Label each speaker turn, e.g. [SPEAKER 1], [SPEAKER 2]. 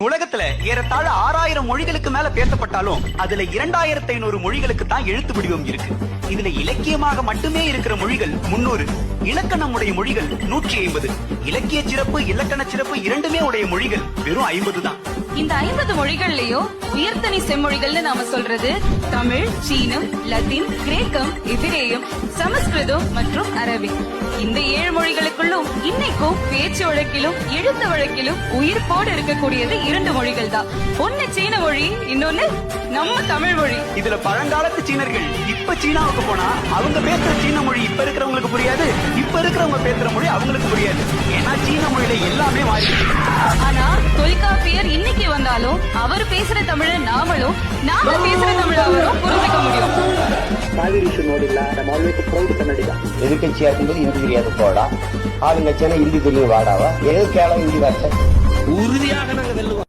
[SPEAKER 1] உலகத்துல ஏறத்தாழ 6000 மொழிகளுக்கு மேல பேசப்பட்டாலும் அதுல 2500 மொழிகளுக்கு தான் எழுத்து வடிவம் இருக்கு. இதுல இலக்கியமாக மட்டுமே இருக்கிற மொழிகள் 300, இலக்கணம் உடைய மொழிகள் 150, இலக்கிய சிறப்பு இலக்கண சிறப்பு இரண்டுமே உடைய மொழிகள் வெறும் 50 தான்.
[SPEAKER 2] இந்த 50 மொழிகள்லயும் உயர்தனி செம்மொழிகள்னு நாம சொல்றது தமிழ், சீனம், லத்தீன், கிரேக்கம், எபிரேயம், சமஸ்கிருதம் மற்றும் அரபிக். இந்த 7 மொழிகளுக்குள்ளும் இன்னைக்கும் பேச்சு வழக்கிலும் எழுத்து வழக்கிலும் உயிர்ப்போடு இருக்கக்கூடியது 2 மொழிகள் தான். ஒன்னு சீன மொழி, இன்னொன்னு நம்ம தமிழ் மொழி.
[SPEAKER 1] இதுல பழங்காலத்து சீனர்கள் இப்ப சீனாவுக்கு போனா அவங்க பேசுற சீன மொழி இப்ப இருக்கிறவங்களுக்கு புரியாது, இப்ப இருக்கிறவங்க பேசுற மொழி அவங்களுக்கு புரியாது. ஏன்னா சீன மொழியில எல்லாமே மாறி.
[SPEAKER 2] ஆனா தொல்காப்பியர் இன்னைக்கு வந்தாலும் அவர் பேசுற தமிழ நாமளும், நாம பேசுற தமிழ அவரும் புரிஞ்சுக்க முடியும்.
[SPEAKER 3] காவிரி ನೋಡಿಲ್ಲ ನಮ್ಮ ಆಲ್ವೇಸ್ ಪ್ರೌಡ್ ಕನ್ನಡಿಗ
[SPEAKER 4] எதிர்கட்சியா இருக்கும்போது இந்தி தெரியாது போடா, ஆளுங்கட்சியான இந்தி தெரியும் வாடாவா, எது கேளம் இந்தி வார்த்தை
[SPEAKER 5] உறுதியாக நாங்க வெல்லுவோம்.